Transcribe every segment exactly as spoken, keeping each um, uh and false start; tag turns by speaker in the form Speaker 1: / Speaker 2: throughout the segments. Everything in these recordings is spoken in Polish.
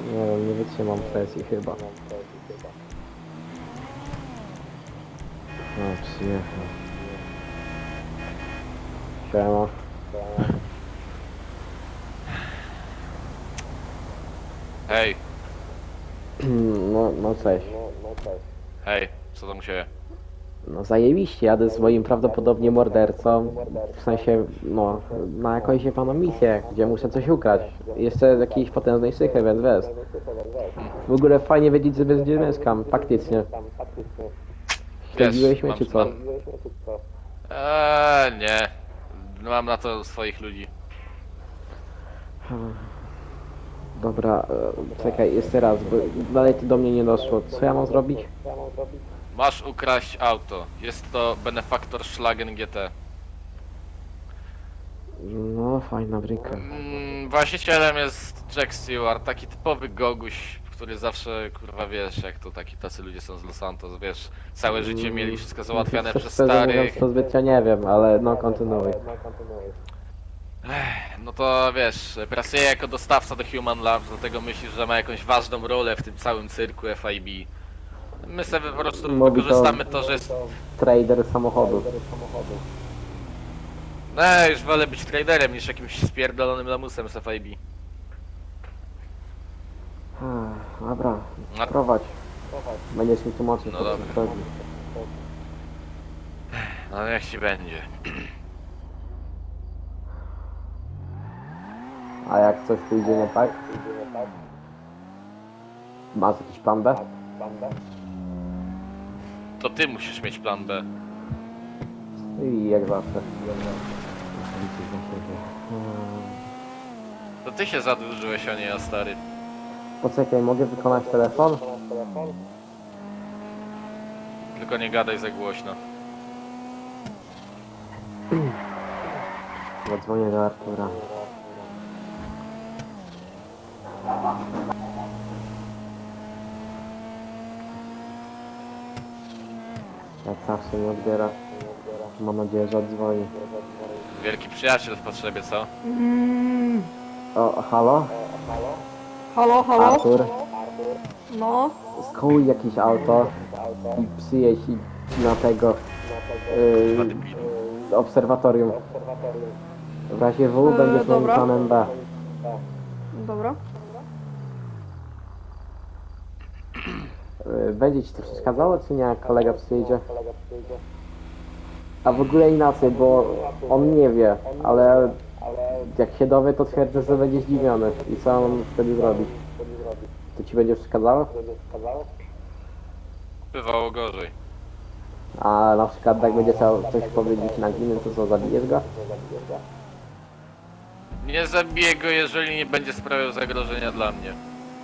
Speaker 1: Nie wiem, nie wytrzymam presji chyba. No, przyjechał. Siema.
Speaker 2: Hej,
Speaker 1: No, no cześć.
Speaker 2: hej, co tam u siebie?
Speaker 1: No zajebiście, jadę z moim prawdopodobnie mordercą. W sensie, no, na jakąś jebaną misję, gdzie muszę coś ukrać. Jeszcze z jakiejś potężnej sychy, więc wiesz. W ogóle fajnie wiedzieć, że bez gdzie mieszkam, faktycznie. Śledziłeś mnie
Speaker 2: mam,
Speaker 1: czy co?
Speaker 2: mam... Eee, nie. Mam na to swoich ludzi.
Speaker 1: Dobra, e, czekaj, jeszcze raz, bo dalej to do mnie nie doszło. Co ja mam zrobić?
Speaker 2: Masz ukraść auto. Jest to Benefaktor Schlagen G T.
Speaker 1: No, fajna bryka.
Speaker 2: Mm, właścicielem jest Jack Stewart, taki typowy goguś, który zawsze, kurwa, wiesz, jak to taki tacy ludzie są z Los Santos, wiesz, całe życie mieli wszystko załatwiane
Speaker 1: Szczerze
Speaker 2: przez
Speaker 1: mówiąc,
Speaker 2: starych.
Speaker 1: to zbytnio nie wiem, ale no kontynuuj.
Speaker 2: Ech, no to wiesz, pracuje jako dostawca do Human Labs, dlatego myślisz, że ma jakąś ważną rolę w tym całym cyrku F I B. My sobie po prostu
Speaker 1: Mówi to-
Speaker 2: wykorzystamy to, że jest...
Speaker 1: Trader samochodu.
Speaker 2: No, już wolę być traderem niż jakimś spierdolonym lamusem z F I B.
Speaker 1: Ech, Dobra,
Speaker 2: No.
Speaker 1: prowadź. Będziesz mi tłumaczył,
Speaker 2: No
Speaker 1: co
Speaker 2: dobra.
Speaker 1: tu chodzi.
Speaker 2: No niech ci będzie.
Speaker 1: A jak coś pójdzie nie tak? Masz jakiś plan B?
Speaker 2: To ty musisz mieć plan B.
Speaker 1: I jak zawsze.
Speaker 2: To ty się zadłużyłeś, a nie ja, stary.
Speaker 1: Poczekaj, mogę wykonać telefon?
Speaker 2: Tylko nie gadaj za głośno.
Speaker 1: Zadzwonię do Artura. Jak zawsze nie odbiera. Mam nadzieję, że odzwoni.
Speaker 2: Wielki przyjaciel w potrzebie, co?
Speaker 3: Mm,
Speaker 1: O, halo?
Speaker 3: halo, halo?
Speaker 1: Artur?
Speaker 3: No,
Speaker 1: Skuj jakieś auto i przyjedź i na tego
Speaker 2: Kurwa,
Speaker 1: yy,
Speaker 2: debil.
Speaker 1: obserwatorium. W razie W
Speaker 3: Eee,
Speaker 1: będziesz moim
Speaker 3: dobra.
Speaker 1: planem B.
Speaker 3: dobra.
Speaker 1: Yy, Będzie ci to przeszkadzało, czy nie, jak kolega przyjedzie? A w ogóle inaczej, bo on nie wie, ale jak się dowie, to twierdzę, że będzie zdziwiony. I co on wtedy zrobi? To ci będzie przeszkadzało?
Speaker 2: Bywało gorzej.
Speaker 1: A na przykład jak będzie chciał coś powiedzieć na gminę, to co, zabijesz go?
Speaker 2: Nie zabiję go, jeżeli nie będzie sprawiał zagrożenia dla mnie.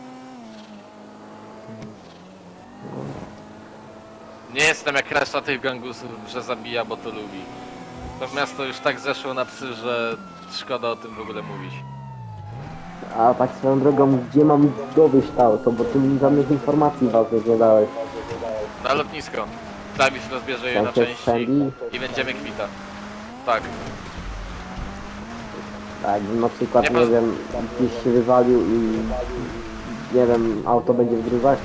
Speaker 2: Nie jestem jak reszta tych gangusów, że zabija, bo to lubi. To miasto już tak zeszło na psy, że szkoda o tym w ogóle mówić.
Speaker 1: A tak swoją drogą, gdzie mam dowieść to auto, bo ty mi żadnych informacji ważnych nie dałeś.
Speaker 2: Na lotnisko. Klawisz rozbierze je na
Speaker 1: Tam się
Speaker 2: części
Speaker 1: strzeli?
Speaker 2: i będziemy kwita. Tak.
Speaker 1: Tak, na przykład,
Speaker 2: Nie
Speaker 1: nie,
Speaker 2: poz-
Speaker 1: wiem, gdzieś się wywalił i nie wiem, auto będzie w gruzach.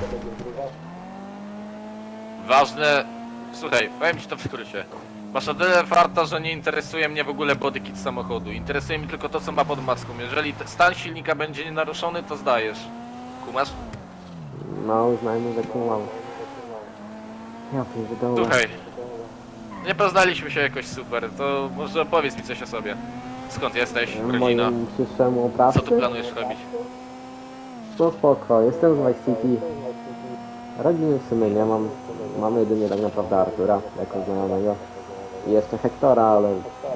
Speaker 2: Ważne... Słuchaj, powiem ci to w skrócie. Masz o tyle farta, że nie interesuje mnie w ogóle bodykit samochodu. Interesuje mi tylko to, co ma pod maską. Jeżeli te- stan silnika będzie nienaruszony, to zdajesz. Kumasz?
Speaker 1: No, uznajmy, że kumam. Ja pierdolę.
Speaker 2: Słuchaj. Nie poznaliśmy się jakoś super, to może opowiedz mi coś o sobie. Skąd jesteś? Rodzina?
Speaker 1: Moim przyszłemu
Speaker 2: Co
Speaker 1: oprawcy?
Speaker 2: tu planujesz robić?
Speaker 1: No spoko, jestem z Vice City. Rodziny w sumie nie mam. Mam jedynie tak naprawdę Artura, jako znajomego. I jeszcze Hektora, ale...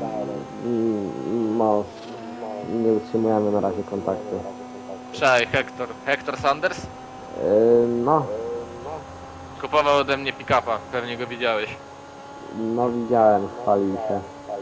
Speaker 1: mm, No... Nie utrzymujemy na razie kontaktu.
Speaker 2: Cześć, Hector. Hector Sanders?
Speaker 1: Yy, no,
Speaker 2: Kupował ode mnie pick-upa, pewnie go widziałeś.
Speaker 1: no widziałem, chwalił się.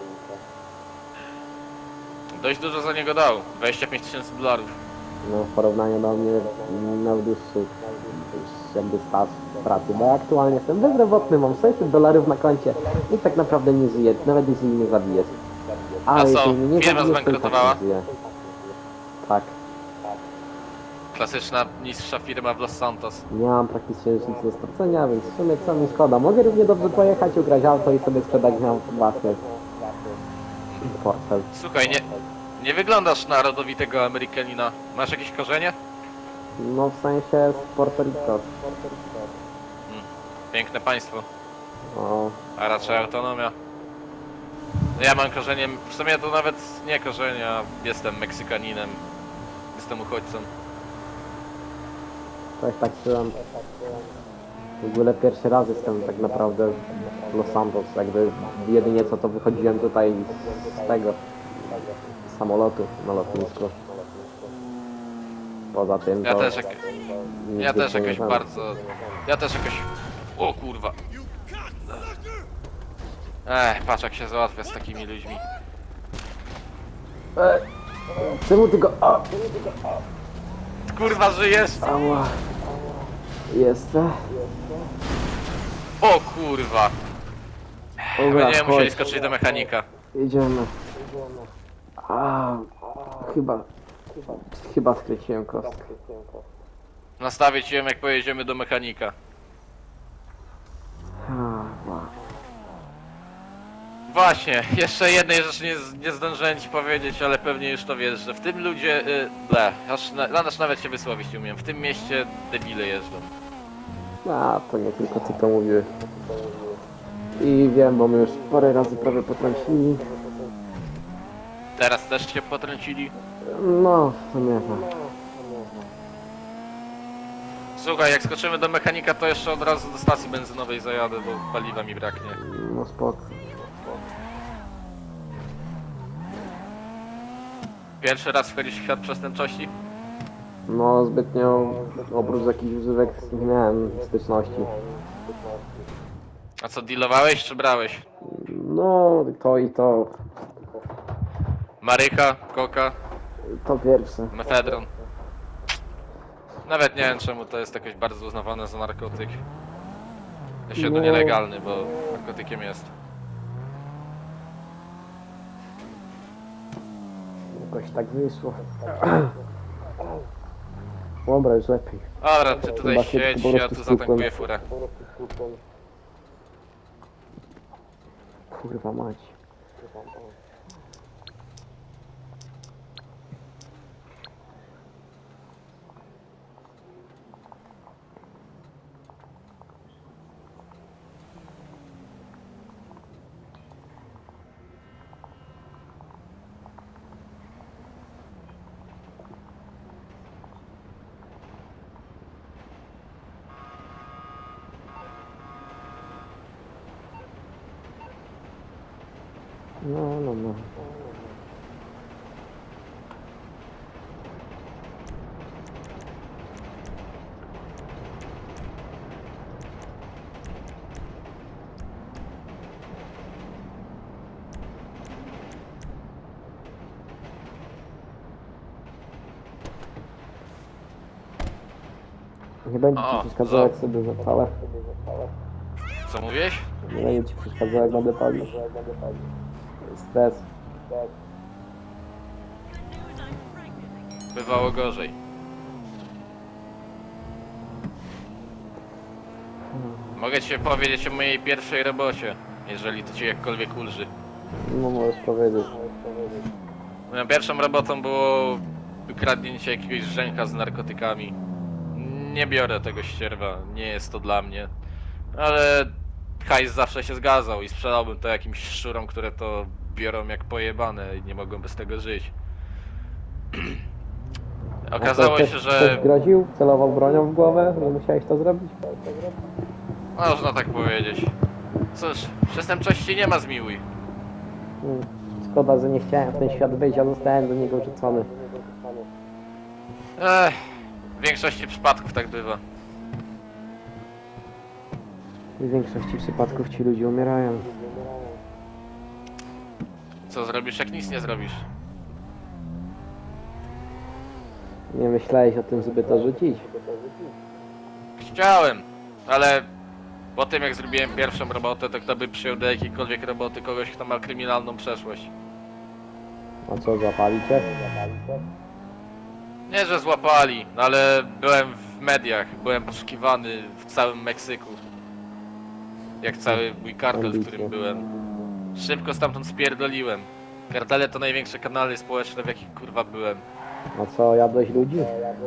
Speaker 2: Dość dużo za niego dał, dwadzieścia pięć tysięcy dolarów.
Speaker 1: No w porównaniu do mnie miał dłuższy jakby staż pracy, bo ja aktualnie jestem bezrobotny, mam sześćset dolarów na koncie i tak naprawdę nie żyję, nawet jeśli mnie zabijesz. Ale
Speaker 2: A co,
Speaker 1: jeśli mnie nie
Speaker 2: firma
Speaker 1: zabijesz, to i tak
Speaker 2: zbankrutowała?
Speaker 1: nie żyję. Tak.
Speaker 2: Klasyczna niższa firma w Los Santos.
Speaker 1: Nie mam praktycznie nic do stracenia, więc w sumie co mi szkoda. Mogę równie dobrze pojechać, ugrać auto i sobie sprzedać miał własny portfel.
Speaker 2: Słuchaj, nie, nie wyglądasz na rodowitego Amerykanina. Masz jakieś korzenie?
Speaker 1: No w sensie z Puerto Rico.
Speaker 2: Piękne państwo,
Speaker 1: No,
Speaker 2: a raczej autonomia. Ja mam korzenie, w sumie to nawet nie korzenie, a jestem Meksykaninem. Jestem uchodźcą.
Speaker 1: coś tak czułem. W ogóle pierwszy raz jestem tak naprawdę w Los Santos. Jakby jedynie co to wychodziłem tutaj z tego z samolotu na lotnisku. Poza tym to
Speaker 2: Ja też, jak,
Speaker 1: nic
Speaker 2: ja też
Speaker 1: więcej nie
Speaker 2: jakoś
Speaker 1: znam.
Speaker 2: bardzo... Ja też jakoś... O kurwa. Ech, patrz jak się załatwia z takimi ludźmi.
Speaker 1: E, czemu ty go... A,
Speaker 2: Ty, kurwa, żyjesz?
Speaker 1: ała. Jestem.
Speaker 2: O kurwa.
Speaker 1: Dobra,
Speaker 2: Będziemy musieli
Speaker 1: chodź.
Speaker 2: skoczyć do mechanika.
Speaker 1: Jedziemy. A, chyba... Chyba skręciłem kostkę.
Speaker 2: Nastawię ci ją jak pojedziemy do mechanika.
Speaker 1: A, wow.
Speaker 2: Właśnie, jeszcze jednej rzeczy nie, z- nie zdążyłem ci powiedzieć, ale pewnie już to wiesz, że w tym ludzie... Y, ble, aż, na, aż nawet się wysłowić nie umiem. W tym mieście debile jeżdżą.
Speaker 1: A, to nie tylko ty to mówiłeś. I wiem, bo my już parę razy prawie potrącili.
Speaker 2: Teraz też się potrącili.
Speaker 1: No, w sumie tak.
Speaker 2: Słuchaj, jak skoczymy do mechanika, to jeszcze od razu do stacji benzynowej zajadę, bo paliwa mi braknie.
Speaker 1: No spoko.
Speaker 2: Pierwszy raz wchodzisz w świat przestępczości?
Speaker 1: No zbytnio oprócz jakichś używek nie miałem styczności.
Speaker 2: A co, dealowałeś czy brałeś?
Speaker 1: No, to i to.
Speaker 2: Marycha, koka,
Speaker 1: To pierwsze.
Speaker 2: mefedron. Nawet nie wiem czemu to jest jakoś bardzo uznawane za narkotyk. Jeszcze
Speaker 1: No.
Speaker 2: no nielegalny, bo narkotykiem jest.
Speaker 1: Jakoś tak wyszło. Dobra, już lepiej.
Speaker 2: Dobra, ty tutaj
Speaker 1: Chyba się
Speaker 2: siedź,
Speaker 1: po
Speaker 2: ja
Speaker 1: prostu
Speaker 2: tu
Speaker 1: stukłem.
Speaker 2: zatankuję furę.
Speaker 1: Kurwa mać. No, no, no. Nie będzie
Speaker 2: O,
Speaker 1: ci przeszkadzał jak
Speaker 2: za-
Speaker 1: sobie zapalę.
Speaker 2: Co mówiłeś?
Speaker 1: Nie będzie ci przeszkadzał jak będę palił. Stres.
Speaker 2: Bywało gorzej. Mogę ci powiedzieć o mojej pierwszej robocie, jeżeli to cię jakkolwiek ulży.
Speaker 1: No możesz powiedzieć.
Speaker 2: Moją pierwszą robotą było wykradnięcie jakiegoś żenka z narkotykami. Nie biorę tego ścierwa, nie jest to dla mnie. Ale hajs zawsze się zgadzał i sprzedałbym to jakimś szczurom, które to biorą jak pojebane i nie mogą bez tego żyć. Okazało
Speaker 1: ktoś,
Speaker 2: się,
Speaker 1: Ktoś
Speaker 2: że...
Speaker 1: groził, celował bronią w głowę i musiałeś to zrobić?
Speaker 2: Można tak powiedzieć. Cóż, przestępczości nie ma zmiłuj.
Speaker 1: Hmm. Szkoda, że nie chciałem w ten świat wyjść, a zostałem do niego rzucony.
Speaker 2: Ech, w większości przypadków tak bywa.
Speaker 1: W większości przypadków ci ludzie umierają.
Speaker 2: Co zrobisz, jak nic nie zrobisz?
Speaker 1: Nie myślałeś o tym, żeby to rzucić?
Speaker 2: Chciałem, ale po tym jak zrobiłem pierwszą robotę, to kto by przyjął do jakiejkolwiek roboty kogoś, kto ma kryminalną przeszłość?
Speaker 1: A co, zapali cię?
Speaker 2: Nie, że złapali, no ale byłem w mediach, byłem poszukiwany w całym Meksyku. Jak cały mój kartel, w którym byłem. Szybko stamtąd spierdoliłem. Kartele to największe kanały społeczne, w jakich kurwa byłem.
Speaker 1: No co, jadłeś ludzi?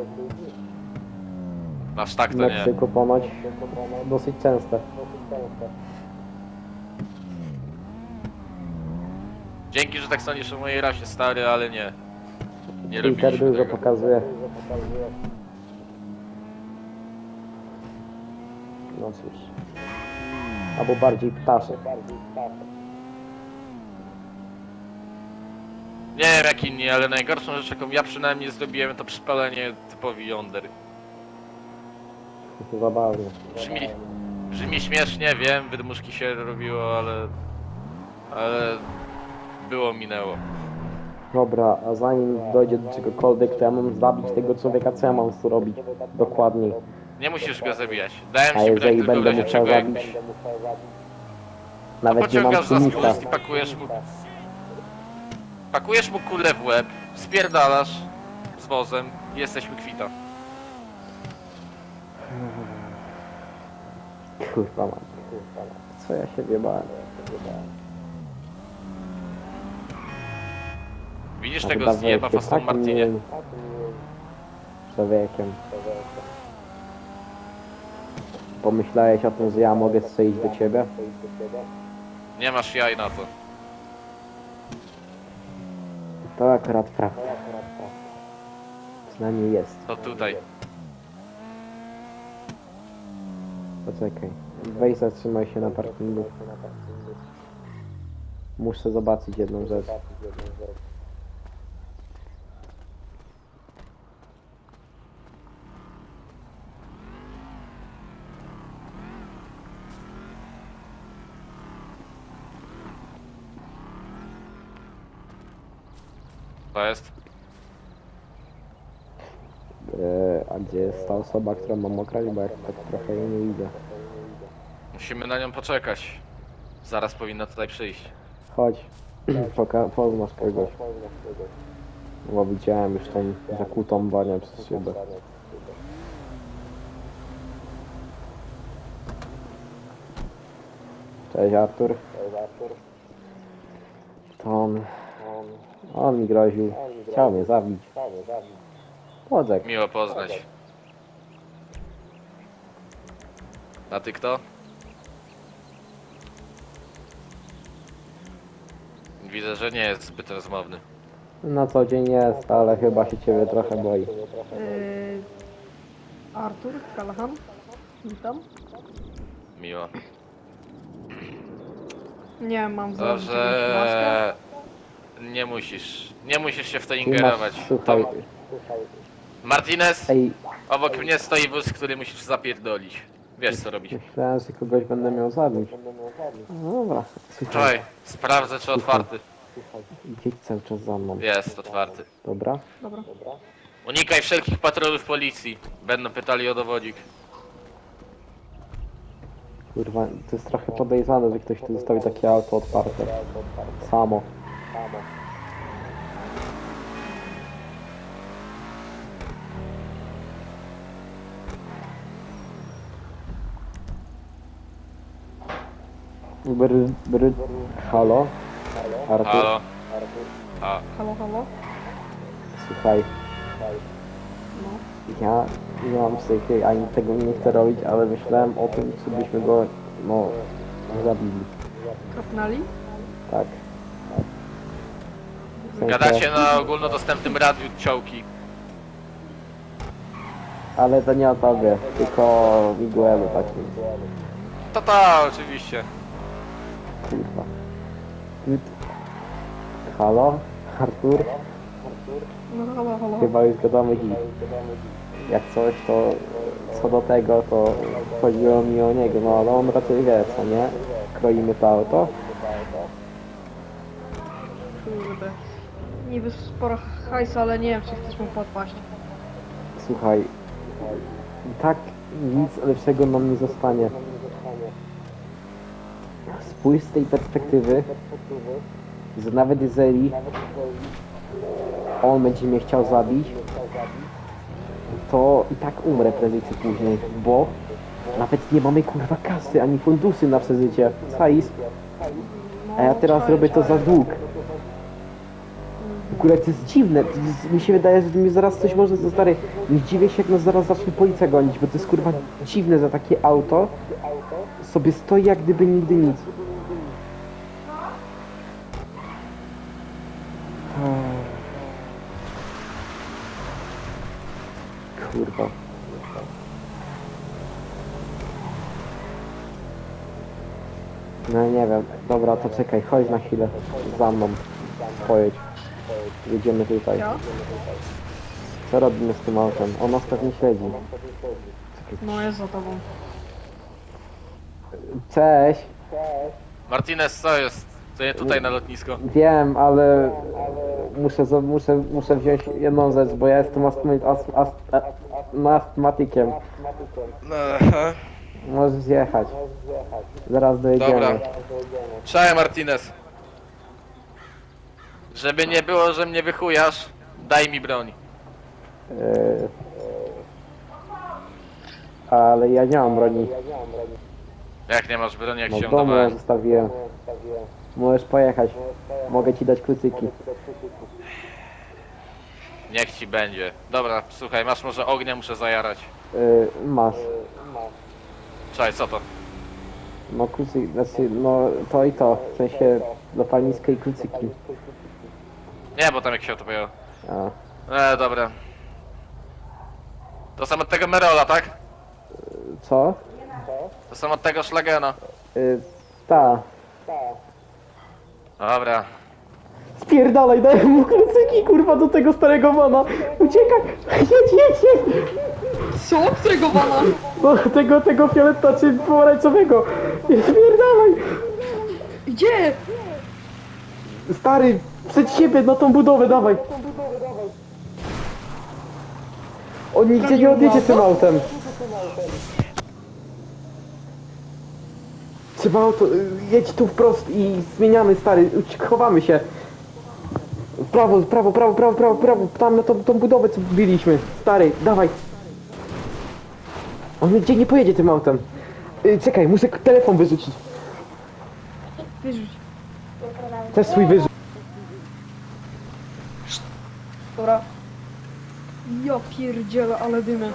Speaker 2: Aż tak
Speaker 1: W
Speaker 2: to nie.
Speaker 1: Meksyku ponoć dosyć częste.
Speaker 2: Dzięki, że tak sądzisz o mojej rasie, stary, ale nie. Nie
Speaker 1: Twitter
Speaker 2: robiliśmy
Speaker 1: dużo
Speaker 2: tego.
Speaker 1: pokazuje. No cóż. Albo bardziej ptaszek.
Speaker 2: Nie wiem jak inni, ale najgorszą rzecz, jaką ja przynajmniej zrobiłem, to przypalenie typowi Yonder.
Speaker 1: Zabawnie.
Speaker 2: Brzmi, brzmi śmiesznie, wiem, wydmuszki się robiło, ale... Ale... Było, minęło.
Speaker 1: Dobra, a zanim dojdzie do czegokolwiek, to ja mam zabić tego człowieka, co ja mam tu robić? Dokładniej.
Speaker 2: Nie musisz go zabijać. Dałem
Speaker 1: A
Speaker 2: ci broń
Speaker 1: jeżeli
Speaker 2: tylko w
Speaker 1: będę
Speaker 2: razie
Speaker 1: musiał
Speaker 2: czego jak...
Speaker 1: zabić, nawet nie mam
Speaker 2: Pociągasz za
Speaker 1: tłumika.
Speaker 2: spust i pakujesz mu... Pakujesz mu kulę w łeb, spierdalasz z wozem i jesteśmy kwita.
Speaker 1: Kurwa mam. Co ja się wiebałem?
Speaker 2: Widzisz
Speaker 1: A
Speaker 2: tego
Speaker 1: wydawało
Speaker 2: zjeba w
Speaker 1: się
Speaker 2: Aston
Speaker 1: takim
Speaker 2: Martinie?
Speaker 1: miłym człowiekiem. Pomyślałeś o tym, że ja mogę strzelić do ciebie?
Speaker 2: Nie masz jaj na to.
Speaker 1: To akurat prawda. Przynajmniej jest.
Speaker 2: To tutaj.
Speaker 1: Poczekaj. Weź zatrzymaj się na parkingu. Muszę zobaczyć jedną rzecz.
Speaker 2: To jest.
Speaker 1: Eee, a gdzie jest ta osoba, którą mam okraść, bo jak tak trochę jej nie widzę.
Speaker 2: Musimy na nią poczekać. Zaraz powinna tutaj przyjść.
Speaker 1: Chodź, Poka poznasz kogoś. Bo widziałem już tą zakutą banię przez szybę. Cześć Artur. To on... On mi groził. Chciał mnie zabić. Poczek.
Speaker 2: Miło poznać. A ty kto? Widzę, że nie jest zbyt rozmowny.
Speaker 1: Na co dzień jest, ale chyba się ciebie trochę boi.
Speaker 3: Yy, Artur, Callahan. Witam.
Speaker 2: Miło.
Speaker 3: Nie mam założyć maskę.
Speaker 2: Dobrze. Nie musisz. Nie musisz się w to
Speaker 1: Ty
Speaker 2: ingerować.
Speaker 1: masz, słuchaj,
Speaker 2: To... Martinez,
Speaker 1: ej,
Speaker 2: obok mnie stoi wóz, który musisz zapierdolić. Wiesz co robić.
Speaker 1: myślałem, że kogoś będę miał zabić. No dobra, słuchaj,
Speaker 2: Słuchaj, sprawdzę czy otwarty.
Speaker 1: idź cały czas za mną,
Speaker 2: Jest otwarty.
Speaker 1: dobra?
Speaker 3: Dobra.
Speaker 2: Unikaj wszelkich patrolów policji. Będą pytali o dowodzik.
Speaker 1: Kurwa, to jest trochę podejrzane, że ktoś tu zostawi takie auto otwarte. Samo. Br, br, halo? Artur,
Speaker 2: Halo? A,
Speaker 3: Halo, halo.
Speaker 1: słuchaj,
Speaker 3: No.
Speaker 1: ja nie mam psychy, ani tego nie chcę robić, ale myślałem o tym, czy byśmy go, no, zabili.
Speaker 3: Kapnali?
Speaker 1: Tak. W sensie-
Speaker 2: gadacie na ogólnodostępnym radiu ciołki.
Speaker 1: Ale to nie o tobie, tylko o Miguelu takim.
Speaker 2: To ta, oczywiście.
Speaker 1: Kurwa. Ty... Halo? Artur?
Speaker 3: No halo, halo.
Speaker 1: Chyba już gadamy dziś. Jak coś, to co do tego, to chodziło mi o niego, no ale on raczej wie, co nie? Kroimy to auto.
Speaker 3: Kurde. Niby sporo hajsu, ale nie wiem, czy chcesz mu podpaść.
Speaker 1: Słuchaj, i tak nic lepszego nam nie zostanie. Spójrz z tej perspektywy, że nawet jeżeli on będzie mnie chciał zabić, to i tak umrę prędzej czy później, bo nawet nie mamy kurwa kasy ani fundusy na przeżycie. Sais, a ja teraz
Speaker 3: czaję,
Speaker 1: robię to za
Speaker 3: czaję.
Speaker 1: dług. W ogóle to jest dziwne, to jest, mi się wydaje, że mi zaraz coś może, to stary, nie dziwię się jak nas zaraz zacznie policja gonić, bo to jest kurwa dziwne, że takie auto sobie stoi jak gdyby nigdy nic. Kurwa. No nie wiem, dobra, to czekaj, chodź na chwilę, za mną, pojedź, jedziemy tutaj.
Speaker 3: Ja?
Speaker 1: Co robimy z tym autem? On nas pewnie śledzi.
Speaker 3: No jest za tobą.
Speaker 1: Cześć!
Speaker 2: Martinez, co jest? To nie tutaj na lotnisko.
Speaker 1: Wiem, ale muszę, za- muszę, muszę wziąć jedną rzecz, bo ja jestem astmy, ast, ast, a- no, astmatykiem.
Speaker 2: Aha.
Speaker 1: Możesz jechać. Zaraz dojedziemy.
Speaker 2: Dobra. Cześć Martinez. Żeby nie było, że mnie wychujasz, daj mi broń.
Speaker 1: Yy, ale ja nie mam broni.
Speaker 2: Jak nie masz broni, jak
Speaker 1: No
Speaker 2: się
Speaker 1: w domu ją
Speaker 2: dawałem.
Speaker 1: zostawiłem. Możesz pojechać. Mogę ci dać klucyki.
Speaker 2: Niech ci będzie. Dobra, słuchaj, masz może ognia, muszę zajarać.
Speaker 1: Yy, masz.
Speaker 2: Cześć, co to?
Speaker 1: No klucyki, znaczy, no to i to. W sensie zapalniska i klucyki.
Speaker 2: Nie, bo tam jak się to pojęło.
Speaker 1: A.
Speaker 2: E, dobra. To są od tego Merola, tak?
Speaker 1: Co?
Speaker 2: To są od tego Szlagena.
Speaker 1: Yy, ta.
Speaker 2: Dobra.
Speaker 1: Spierdalaj, daj mu klucyki, kurwa, do tego starego wana. Uciekaj! Jedź, jedź, jedź!
Speaker 3: Co? Którego wana?
Speaker 1: Do tego, tego fioleta czy pomarańczowego. Spierdalaj!
Speaker 3: Gdzie?
Speaker 1: Stary, przed siebie, na tą budowę, dawaj. On nigdzie nie odjedzie tym autem. Trzeba auto, y, jedź tu wprost i zmieniamy, stary, uci- chowamy się. W prawo, w prawo, prawo, prawo, prawo, prawo, tam na tą, tą budowę co biliśmy. Stary, dawaj. On nigdzie nie pojedzie tym autem. Y, czekaj, muszę k- telefon wyrzucić.
Speaker 3: Wyrzuć.
Speaker 1: Też swój wyrzuć.
Speaker 3: Dobra. Ja pierdzielę, ale dymy.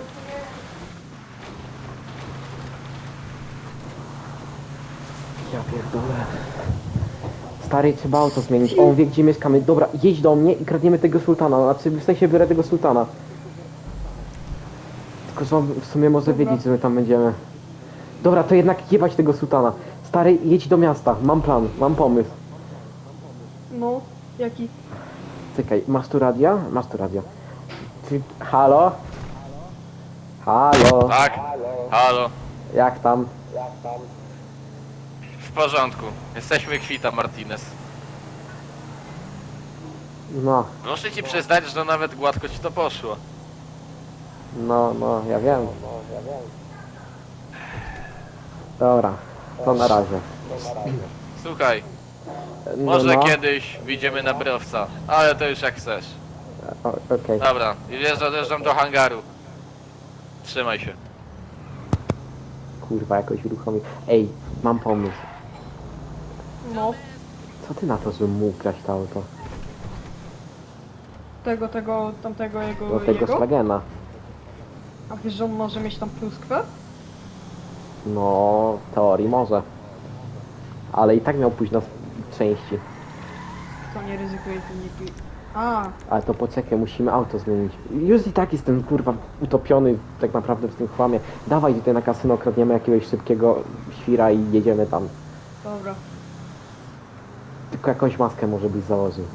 Speaker 1: Ja pierdolę. Stary, trzeba auto zmienić. On wie, gdzie mieszkamy. Dobra, jedź do mnie i kradniemy tego sultana. Znaczy, w sensie biorę tego sultana. Tylko, że on w sumie może
Speaker 3: Dobra.
Speaker 1: wiedzieć, że my tam będziemy. Dobra, to jednak jebać tego sultana. Stary, jedź do miasta. Mam plan, mam pomysł.
Speaker 3: No, jaki?
Speaker 1: Czekaj, masz tu radia? Masz tu radio. Ty, halo? Halo?
Speaker 2: Tak? Halo?
Speaker 1: Jak tam?
Speaker 2: W porządku. Jesteśmy kwita, Martinez.
Speaker 1: No,
Speaker 2: Muszę ci przyznać, że nawet gładko ci to poszło.
Speaker 1: no, no, ja wiem. Dobra, to na razie.
Speaker 2: Słuchaj,
Speaker 1: No,
Speaker 2: może
Speaker 1: no.
Speaker 2: kiedyś wyjdziemy na browca, ale to już jak chcesz.
Speaker 1: O, Okej.
Speaker 2: Dobra, i wiesz, odjeżdżam do hangaru. Trzymaj się.
Speaker 1: Kurwa, jakoś uruchomi. Ej, mam pomysł.
Speaker 3: No,
Speaker 1: Co ty na to, żebym mógł grać to auto?
Speaker 3: tego, tego, tamtego jego,
Speaker 1: Do tego
Speaker 3: jego?
Speaker 1: Slagena.
Speaker 3: A wiesz, że on może mieć tam pluskwę?
Speaker 1: No, w teorii może. Ale i tak miał pójść na s- części.
Speaker 3: To nie ryzykuje tym nie pi... A,
Speaker 1: Ale to poczekaj, musimy auto zmienić. Już i tak jestem, kurwa, utopiony tak naprawdę w tym chłamie. Dawaj tutaj na kasyno, kradniemy jakiegoś szybkiego świra i jedziemy tam.
Speaker 3: dobra.
Speaker 1: Tylko jakąś maskę może byś założył.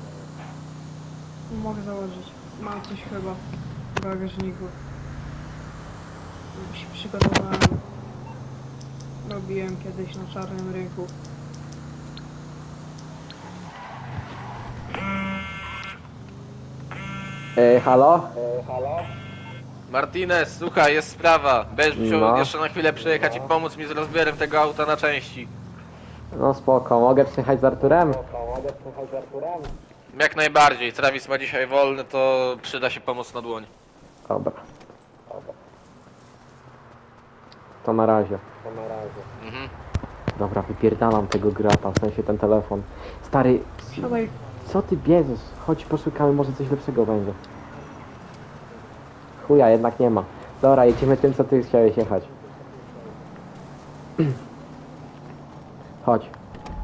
Speaker 3: Mogę założyć. Mam coś chyba w bagażniku. Już się przygotowałem. Robiłem kiedyś na czarnym rynku.
Speaker 1: Ej, halo?
Speaker 2: Martinez, słuchaj, jest sprawa. Będziesz musiał
Speaker 1: No.
Speaker 2: jeszcze na chwilę przyjechać i pomóc mi z rozbiorem tego auta na części.
Speaker 1: No spoko, mogę przyjechać z Arturem?
Speaker 2: Jak najbardziej. Travis ma dzisiaj wolny, to przyda się pomoc na dłoń.
Speaker 1: Dobra. To na razie.
Speaker 2: Mhm.
Speaker 1: Dobra, wypierdalam tego grata, w sensie ten telefon. Stary,
Speaker 3: Siadaj.
Speaker 1: co ty bierzesz? Chodź poszukamy, może coś lepszego będzie. Chuja, jednak nie ma. Dobra, jedziemy tym, co ty chciałeś jechać. Chodź.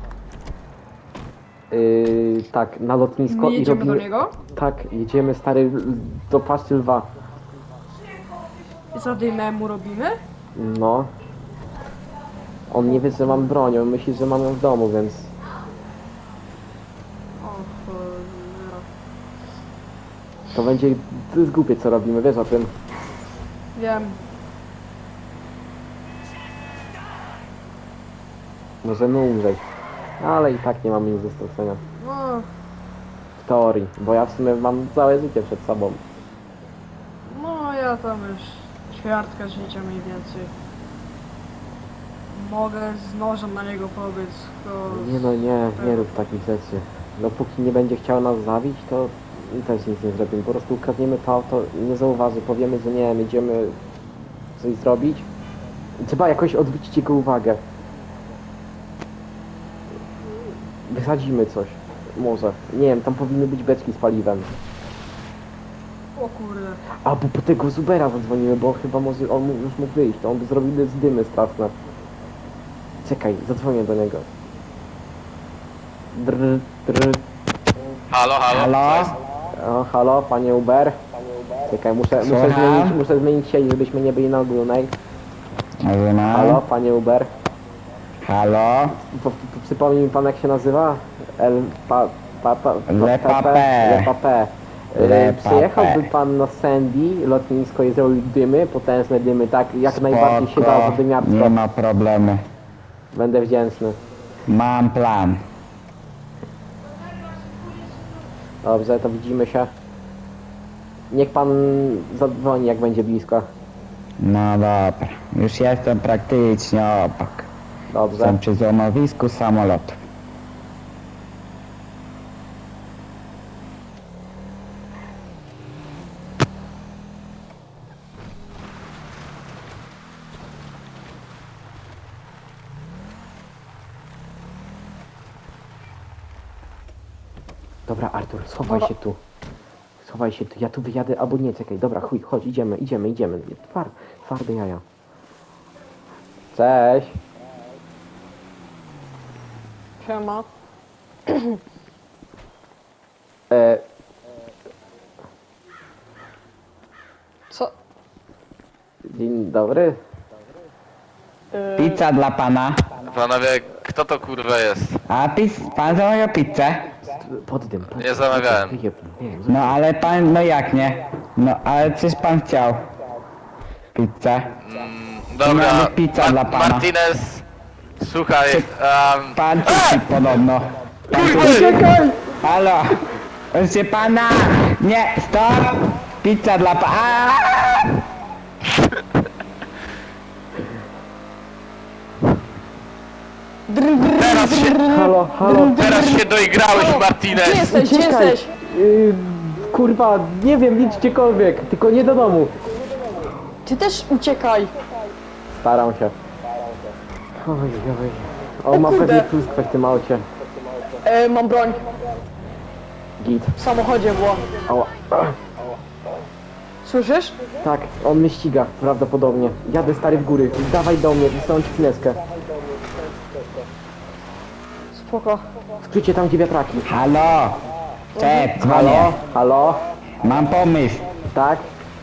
Speaker 1: Yy, tak, na lotnisko
Speaker 3: My
Speaker 1: i
Speaker 3: jedziemy
Speaker 1: robimy...
Speaker 3: do niego?
Speaker 1: Tak, jedziemy stary l- do paszczy lwa.
Speaker 3: Zadymę mu robimy?
Speaker 1: No. On nie wie, że mam broń, on myśli, że mam ją w domu, więc...
Speaker 3: O cholera.
Speaker 1: To będzie... To jest głupie, co robimy, wiesz o tym.
Speaker 3: Wiem.
Speaker 1: Możemy umrzeć. Ale i tak nie mamy nic do stracenia.
Speaker 3: No,
Speaker 1: W teorii, bo ja w sumie mam całe życie przed sobą.
Speaker 3: no ja tam już ćwiartka życia mniej więcej. Mogę z nożem na niego pobiec, to...
Speaker 1: Nie no nie, nie rób takich rzeczy. Dopóki nie będzie chciał nas zabić, to też nic nie zrobimy. Po prostu ukradniemy to auto, nie zauważy, powiemy, że nie wiem, idziemy coś zrobić. Trzeba jakoś odwrócić jego uwagę. Wysadzimy coś. Może. Nie wiem, tam powinny być beczki z paliwem.
Speaker 3: O kurde.
Speaker 1: A, bo po tego Zubera zadzwonimy, bo chyba może on mógł- już mógł wyjść, to on by zrobił z dymy straszne. Czekaj, zadzwonię do niego. Drr, drr.
Speaker 2: Halo, halo. Co
Speaker 4: Halo?
Speaker 2: jest?
Speaker 1: O, halo, panie Uber. Czekaj, muszę, muszę
Speaker 4: Słucham?
Speaker 1: zmienić, muszę zmienić sieć, żebyśmy nie byli na ogólnej.
Speaker 4: Rozumiem.
Speaker 1: Halo, panie Uber.
Speaker 4: Halo?
Speaker 1: Po, po, przypomnij mi pan, jak się nazywa? El... Pa... Pa... pa, pa
Speaker 4: Le
Speaker 1: Pepe?
Speaker 4: Pape.
Speaker 1: Le Pape. Y,
Speaker 4: Le
Speaker 1: Przyjechałby
Speaker 4: Pape.
Speaker 1: pan na Sandy, lotnisko i zrobił dymy, potężne dymy, tak jak najbardziej się da
Speaker 4: Spoko,
Speaker 1: zadymiarstwo.
Speaker 4: nie ma problemu.
Speaker 1: Będę wdzięczny.
Speaker 4: Mam plan.
Speaker 1: Dobrze, to widzimy się. Niech pan zadzwoni, jak będzie blisko.
Speaker 4: No dobra. Już jestem praktycznie obok.
Speaker 1: Dobrze.
Speaker 4: Jestem przy złomowisku samolotu.
Speaker 1: Dobra, Artur, schowaj
Speaker 3: Dobra.
Speaker 1: się tu. Schowaj się tu, ja tu wyjadę, albo nie, czekaj, dobra, chuj, chodź, idziemy, idziemy, idziemy. Twar, twarde jaja. Cześć.
Speaker 3: Siema.
Speaker 1: E,
Speaker 3: Co?
Speaker 1: dzień dobry.
Speaker 3: Yy,
Speaker 4: Pizza dla pana.
Speaker 2: Panowie, kto to kurwa jest?
Speaker 4: A pis, pan zamawiał pizzę?
Speaker 1: Pod dym. Pod
Speaker 2: Nie zamawiałem.
Speaker 1: Wyjebnij, nie,
Speaker 4: No ale pan, no jak nie? No ale coś pan chciał. Pizzę.
Speaker 2: Mm, dobra,
Speaker 4: Miała być pizza dla pana.
Speaker 2: Martinez, słuchaj, um,
Speaker 4: Pan cuci podobno. Pan
Speaker 2: Kurwa!
Speaker 4: cuci.
Speaker 1: Czekaj!
Speaker 4: Halo! Proszę pana! Nie! Stop! Pizza dla pana!
Speaker 2: teraz się,
Speaker 1: Halo, halo.
Speaker 2: teraz się doigrałeś,
Speaker 3: Gdzie
Speaker 2: Martinez.
Speaker 3: jesteś? Gdzie
Speaker 1: Uciekaj.
Speaker 3: jesteś?
Speaker 1: Yy, kurwa, nie wiem, nic gdziekolwiek, tylko nie do domu.
Speaker 3: Ty też uciekaj.
Speaker 1: Staram się. Oj, oj. O,
Speaker 3: O
Speaker 1: ma
Speaker 3: kurde.
Speaker 1: pewnie pustkę w tym aucie.
Speaker 3: E, mam broń.
Speaker 1: Git.
Speaker 3: W samochodzie była.
Speaker 1: Ała.
Speaker 3: Słyszysz?
Speaker 1: Tak, on mnie ściga, prawdopodobnie. Jadę stary w góry. Dawaj do mnie, wysyłam ci chwileczkę.
Speaker 3: Spoko.
Speaker 1: Skrócie tam, gdzie wiatraki.
Speaker 4: Halo! Cześć, dzwonię.
Speaker 1: Halo? Halo?
Speaker 4: Mam pomysł.
Speaker 1: Tak?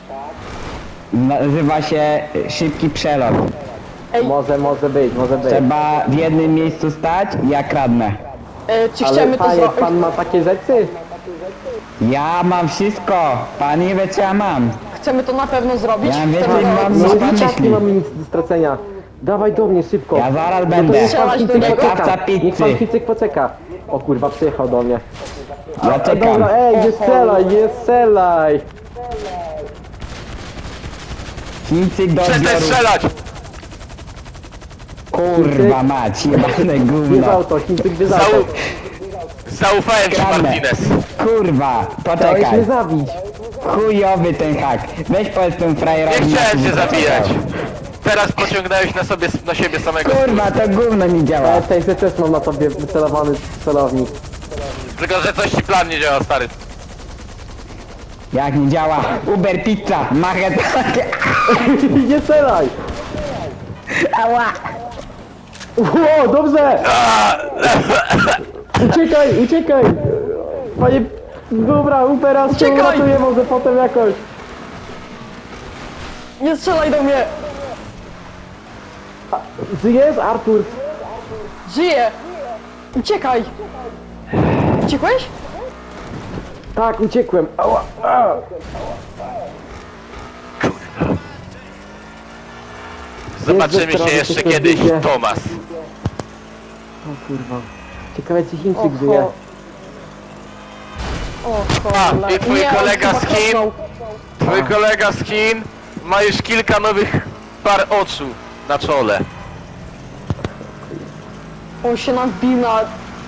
Speaker 4: Nazywa się szybki przelot.
Speaker 3: Ej,
Speaker 1: Może, może być, może być.
Speaker 4: Trzeba w jednym miejscu stać i ja kradnę.
Speaker 3: e, czy
Speaker 1: Ale
Speaker 3: chcemy to
Speaker 1: panie,
Speaker 3: zrobić?
Speaker 1: pan ma takie rzeczy?
Speaker 4: Ja mam wszystko. Pan nie wie co ja mam.
Speaker 3: Chcemy to na pewno zrobić?
Speaker 4: Ja wiem,
Speaker 3: Chcemy
Speaker 4: że
Speaker 3: to
Speaker 4: mam-
Speaker 1: No
Speaker 4: Co pan
Speaker 1: i tak
Speaker 4: myśli?
Speaker 1: nie mamy nic do stracenia. Dawaj do mnie szybko.
Speaker 4: Ja zaraz
Speaker 1: No to
Speaker 4: będę.
Speaker 1: niech pan
Speaker 3: Strzelać do
Speaker 1: Chicyk
Speaker 3: niego?
Speaker 1: poczeka.
Speaker 4: Dostawca
Speaker 1: Niech pan
Speaker 4: pizzy.
Speaker 1: Chicyk poczeka. O kurwa, przyjechał do mnie.
Speaker 4: Ja
Speaker 1: A,
Speaker 4: czekam.
Speaker 1: dobra, ej, nie strzelaj, nie strzelaj.
Speaker 4: Chińczyk do
Speaker 2: Przestań
Speaker 4: odbioru.
Speaker 2: strzelać!
Speaker 4: Kurwa mać, jebane
Speaker 1: Jest
Speaker 4: gówno.
Speaker 1: auto, Chińczyk jest
Speaker 2: Zau...
Speaker 1: auto.
Speaker 2: Zaufałem ci,
Speaker 4: Kradnę.
Speaker 2: Martinez.
Speaker 4: Kurwa,
Speaker 1: Chciałeś
Speaker 4: poczekaj.
Speaker 1: mnie zabić.
Speaker 4: Chujowy ten hak. Weź powiedz tym frajerowi.
Speaker 2: Nie chciałem
Speaker 4: na
Speaker 2: cię
Speaker 4: tym, co
Speaker 2: zabijać.
Speaker 4: chciał.
Speaker 2: teraz pociągnąłeś na sobie, na siebie samego
Speaker 4: Kurwa, to gówno mi działa.
Speaker 1: Ale tej też mam na tobie wycelowany celownik.
Speaker 2: Tylko, że coś ci plan nie działa, stary.
Speaker 4: Jak nie działa? Uber pizza, machę takie.
Speaker 1: Nie celaj!
Speaker 4: Ała!
Speaker 1: O, dobrze! Uciekaj, uciekaj! Panie... Dobra, Upera się
Speaker 3: Uciekaj!
Speaker 1: uratuje może potem jakoś.
Speaker 3: Nie strzelaj do mnie!
Speaker 1: Żyjesz, Artur?
Speaker 3: Żyję! Uciekaj! Uciekłeś?
Speaker 1: Tak, uciekłem. Ała, a.
Speaker 2: Zobaczymy
Speaker 1: Jezu,
Speaker 2: się
Speaker 1: teraz
Speaker 2: jeszcze
Speaker 1: jesteśmy
Speaker 2: kiedyś,
Speaker 1: ludzie.
Speaker 2: Tomas.
Speaker 1: O kurwa. Ciekawe czy Chińczyk
Speaker 3: Oho.
Speaker 1: żyje.
Speaker 3: O
Speaker 2: A,
Speaker 3: cholera.
Speaker 2: i twój
Speaker 3: Nie, on
Speaker 2: kolega
Speaker 3: chyba
Speaker 2: z Chin?
Speaker 3: kopnął.
Speaker 2: Twój kolega z Chin ma już kilka nowych par oczu na czole.
Speaker 3: On się nam wbił na...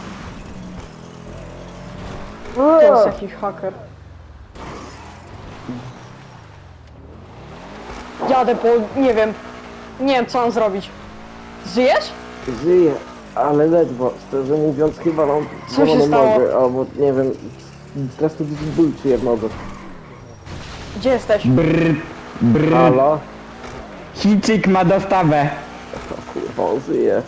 Speaker 3: To jest jakiś haker. Jadę, bo nie wiem. Nie wiem co mam zrobić. Żyjesz?
Speaker 1: Żyje, ale ledwo. Szczerze mówiąc chyba mam
Speaker 3: Co się
Speaker 1: złamaną
Speaker 3: stało?
Speaker 1: nogę, albo nie wiem. Teraz tu jakiś ból czuję w nodze.
Speaker 3: Gdzie jesteś?
Speaker 4: Brr, brr.
Speaker 1: Halo?
Speaker 4: Chińczyk ma dostawę.
Speaker 1: O kurwa, on żyje.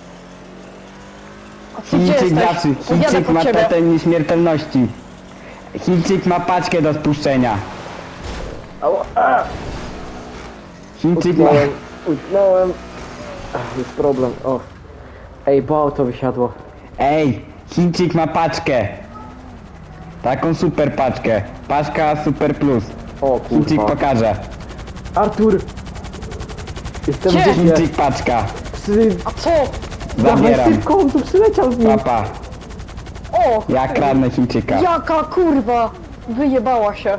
Speaker 3: A ty gdzie
Speaker 4: Chińczyk
Speaker 3: jesteś?
Speaker 4: zawsze.
Speaker 3: Podjadę
Speaker 4: Chińczyk
Speaker 3: po
Speaker 4: ma
Speaker 3: ciebie.
Speaker 4: totem nieśmiertelności. Chińczyk ma paczkę do spuszczenia.
Speaker 1: Ała, a!
Speaker 4: Chińczyk ma...
Speaker 1: Utknąłem, utknąłem. Ach, jest problem, o. Ej, bo auto wysiadło.
Speaker 4: Ej, Chińczyk ma paczkę. Taką super paczkę. Paczka Super Plus.
Speaker 1: O
Speaker 4: Chińczyk
Speaker 1: kurwa.
Speaker 4: pokaże.
Speaker 1: Artur! Jestem
Speaker 3: Gdzie?
Speaker 1: w dupie.
Speaker 4: Chińczyk paczka.
Speaker 1: Psy...
Speaker 3: A co?
Speaker 1: Dawaj
Speaker 4: Zabieram.
Speaker 1: szybko, on tu przyleciał z nim.
Speaker 4: Papa.
Speaker 3: O!
Speaker 4: Ja kradnę Chińczyka.
Speaker 3: Jaka kurwa! Wyjebała się.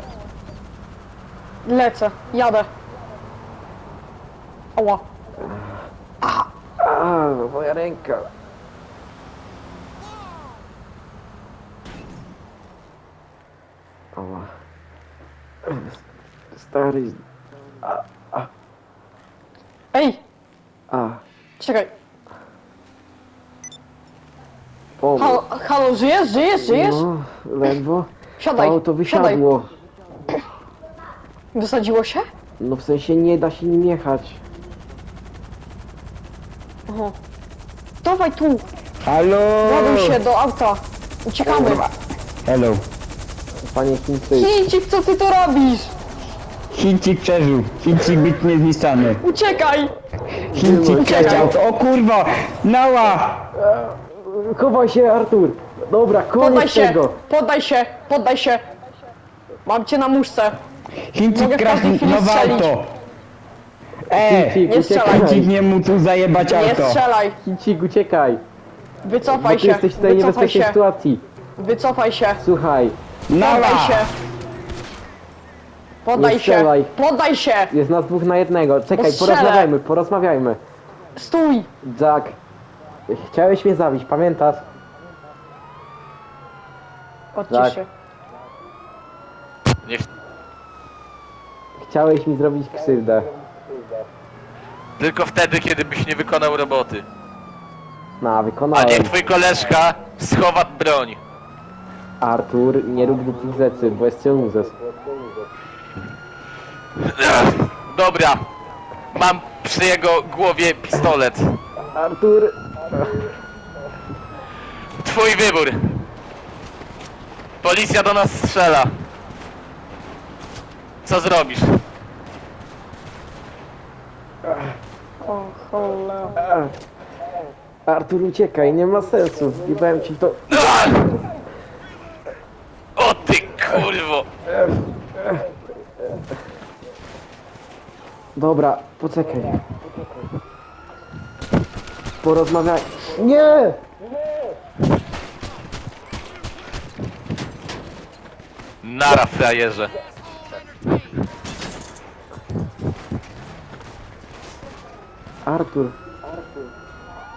Speaker 3: Lecę, jadę. Ała.
Speaker 1: A, moja ręka. Ała. Stary...
Speaker 3: Ej,
Speaker 1: A,
Speaker 3: czekaj.
Speaker 1: pomóż.
Speaker 3: Halo, halo, żyjesz, żyjesz, żyjesz?
Speaker 1: No, ledwo.
Speaker 3: Siadaj,
Speaker 1: Auto
Speaker 3: siadaj.
Speaker 1: wysiadło.
Speaker 3: Wysadziło się?
Speaker 1: No w sensie nie da się nim jechać.
Speaker 3: Aha. Dawaj tu,
Speaker 4: Halo!
Speaker 3: ładuj się do auta. Uciekamy.
Speaker 4: Hello.
Speaker 1: Panie Chińczyk.
Speaker 3: Chińczyk, co ty to robisz?
Speaker 4: Chińczyk przeżył. Chińczyk być niezniszczany.
Speaker 3: Uciekaj!
Speaker 4: Chińczyk
Speaker 3: Uciekaj.
Speaker 4: przeciął. O kurwa! Nała!
Speaker 1: Chowaj się, Artur. Dobra,
Speaker 3: Poddaj
Speaker 1: koniec
Speaker 3: się,
Speaker 1: tego.
Speaker 3: poddaj się, poddaj się. Mam cię na muszce.
Speaker 4: Chińczyk
Speaker 3: Mogę w
Speaker 4: kradł
Speaker 3: każdej chwili
Speaker 4: nowe
Speaker 3: strzelić.
Speaker 4: auto. E!
Speaker 1: Chińczyk,
Speaker 3: nie strzelaj.
Speaker 4: Chińczyk
Speaker 1: uciekaj.
Speaker 4: nie mógł tu zajebać
Speaker 3: Nie
Speaker 4: auto.
Speaker 3: strzelaj.
Speaker 1: Chińczyk, uciekaj. Bo
Speaker 3: Wycofaj
Speaker 1: ty
Speaker 3: się,
Speaker 1: jesteś w tej
Speaker 3: wycofaj
Speaker 1: niebezpiecznej
Speaker 3: się,
Speaker 1: sytuacji.
Speaker 3: wycofaj się.
Speaker 1: Słuchaj,
Speaker 4: Nała!
Speaker 3: Poddaj się. Poddaj
Speaker 1: Nie
Speaker 3: się,
Speaker 1: strzelaj.
Speaker 3: poddaj się.
Speaker 1: jest nas dwóch na jednego. Czekaj,
Speaker 3: strzelę.
Speaker 1: porozmawiajmy, porozmawiajmy.
Speaker 3: Stój.
Speaker 1: Jack, chciałeś mnie zabić, pamiętasz?
Speaker 3: Odcisz
Speaker 1: Tak.
Speaker 3: się.
Speaker 2: Nie,
Speaker 1: Chciałeś mi zrobić krzywdę.
Speaker 2: tylko wtedy, kiedy byś nie wykonał roboty.
Speaker 1: No,
Speaker 2: A
Speaker 1: wykonałem.
Speaker 2: niech twój koleżka schowa broń.
Speaker 1: Artur, nie rób głupich rzeczy, bo jest cię uzes.
Speaker 2: Ech, Dobra. Mam przy jego głowie pistolet.
Speaker 1: Artur!
Speaker 2: Twój wybór. Policja do nas strzela. Co zrobisz?
Speaker 3: O cholera.
Speaker 1: Artur, uciekaj, nie ma sensu. Wbijałem ci w to...
Speaker 2: Ach! O ty kurwo!
Speaker 1: Dobra, poczekaj. Porozmawiaj. Nie!
Speaker 2: Nara frajerze.
Speaker 1: Artur,